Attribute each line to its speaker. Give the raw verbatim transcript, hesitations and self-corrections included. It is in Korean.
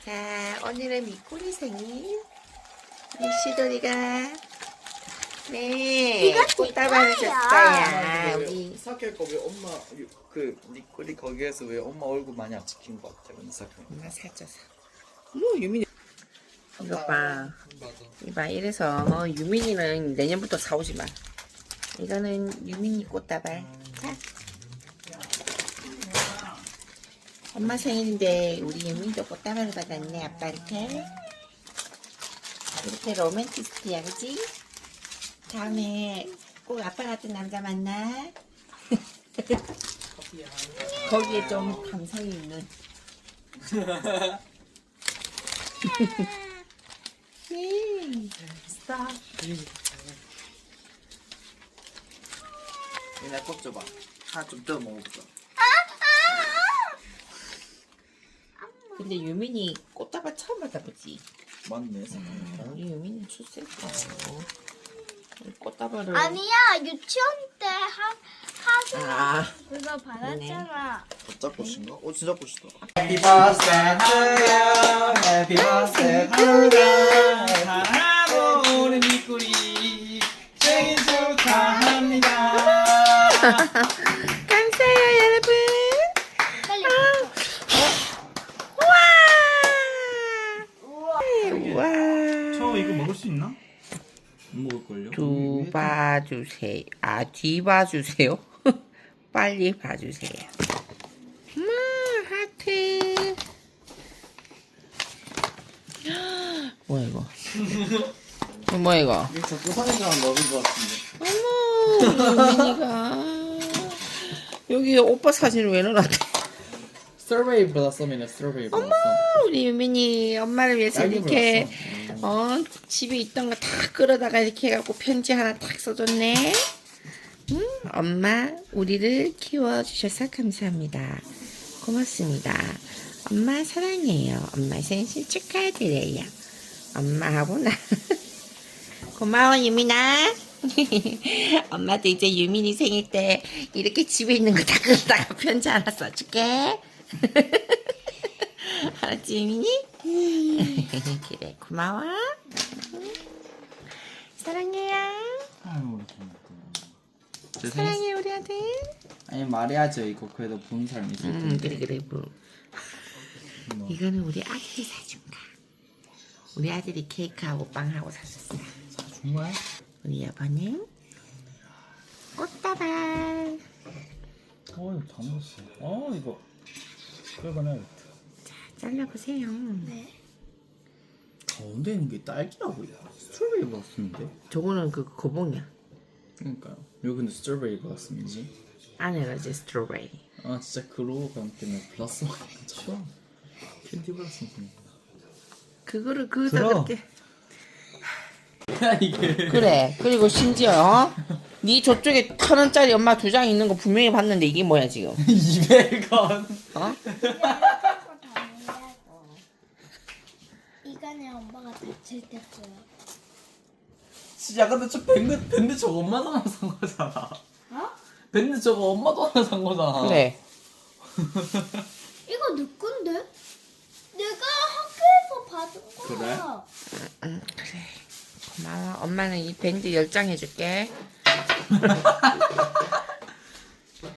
Speaker 1: 자, 오늘은 미꾸리 생일. 우리 시돌이가 네
Speaker 2: 이거
Speaker 1: 꽃다발을
Speaker 2: 제
Speaker 1: 줬어요. 우리
Speaker 3: 사케 거왜 엄마 유- 그 니꼬리 거기에서 왜 엄마 얼굴 많이 안 찍힌 것 같아 근데 사케.
Speaker 1: 엄마 사줘서.
Speaker 3: 뭐 유민이.
Speaker 1: 이거 봐.
Speaker 3: 맞아.
Speaker 1: 이봐, 이래서 유민이는 내년부터 사오지 마. 이거는 유민이 꽃다발. 자. 엄마 생일인데 우리 유민이도 꽃다발을 받았네. 아빠한테. 이렇게 로맨티스트야, 그지? 다음에 꼭 아빠 같은 남자 만나. 거기에 좀 감성이 있는. 예. 스탑.
Speaker 3: 얘네 꽃 줘봐. 하나 좀 뜯어 먹어보자.
Speaker 1: 근데 유민이 꽃다발 처음 받아보지.
Speaker 3: 맞네.
Speaker 1: 우리 유민이 출세했어. 꽃다발을.
Speaker 2: 아니야, 유치원 때 하, 하수
Speaker 1: 아,
Speaker 2: 그거 받았잖아.
Speaker 3: 가짜 꽃인가? 어 진짜 꽃이다. Happy birthday to you. Happy birthday to you. 사랑하는 우리 미꾸리 생일 축하합니다.
Speaker 1: 감사해요, 여러분.
Speaker 2: 빨리.
Speaker 1: 우와. 우와.
Speaker 3: 저 이거 먹을 수 있나? 못 먹을걸요?
Speaker 1: 두 봐주세요. 아, 뒤 봐주세요. 빨리 봐주세요. 음, 하트. 뭐야 이거? 이거 뭐야 이거?
Speaker 3: 이거 자꾸 사진이랑 먹은 것 같은데.
Speaker 1: 어머, 유민이가 여기 오빠 사진을 왜 넣어놨대?
Speaker 3: 서베이 받았어, 맨날 서베이 받았어.
Speaker 1: 우리 유민이 엄마를 위해서
Speaker 3: 딸기
Speaker 1: 이렇게 어 집에 있던 거 다 끌어다가 이렇게 해갖고 편지 하나 딱 써줬네. 음, 엄마 우리를 키워주셔서 감사합니다. 고맙습니다. 엄마 사랑해요. 엄마 생신 축하드려요. 엄마하고 나 고마워 유민아. 엄마도 이제 유민이 생일 때 이렇게 집에 있는 거 다 끌어다가 편지 하나 써줄게. 알았지 유민이? 그래 고마워. 사랑해요.
Speaker 3: 아유, 제 생일
Speaker 1: 사랑해 우리 아들.
Speaker 3: 아니 말해야죠. 이거 그래도 본 사람 있을 텐데.
Speaker 1: 음 그래 그래 뭐. 이거는 우리 아들이 사준 거. 우리 아들이 케이크하고 빵하고 샀었어.
Speaker 3: 사준 거야?
Speaker 1: 우리 여보는 꽃다발.
Speaker 3: 어 이거 다 먹었어. 어 이거 끌어내야겠다.
Speaker 1: 잘라보세요.
Speaker 2: 네.
Speaker 3: 가운데 있는 게 딸기라고요? 스트로베리 같은데?
Speaker 1: 저거는 그 거봉이야.
Speaker 3: 그러니까요. 여기 근데 스트로베리 같은지.
Speaker 1: 안에가 이제 스트로베리.
Speaker 3: 아 진짜 그러고 감 때문에 플러스 처음 캔디 플러스
Speaker 1: 그거를 그다
Speaker 3: 들어.
Speaker 1: 그렇게.
Speaker 3: 이게
Speaker 1: 그래. 그리고 심지어 어? 네 저쪽에 천 원짜리 엄마 두 장 있는 거 분명히 봤는데 이게 뭐야 지금?
Speaker 3: 이백 원.
Speaker 1: 어?
Speaker 2: 이간에 엄마가 다칠 때 써요.
Speaker 3: 진짜 근데 저 밴드 밴드 저거 엄마 돈 하나 산 거잖아.
Speaker 2: 어?
Speaker 3: 밴드 저거 엄마 돈 하나 산 거잖아.
Speaker 1: 그래.
Speaker 2: 이거 내 건데? 내가 학교에서 받은 거야.
Speaker 3: 그래?
Speaker 1: 응 그래. 고마워. 엄마는 이 밴드 열 장 해줄게.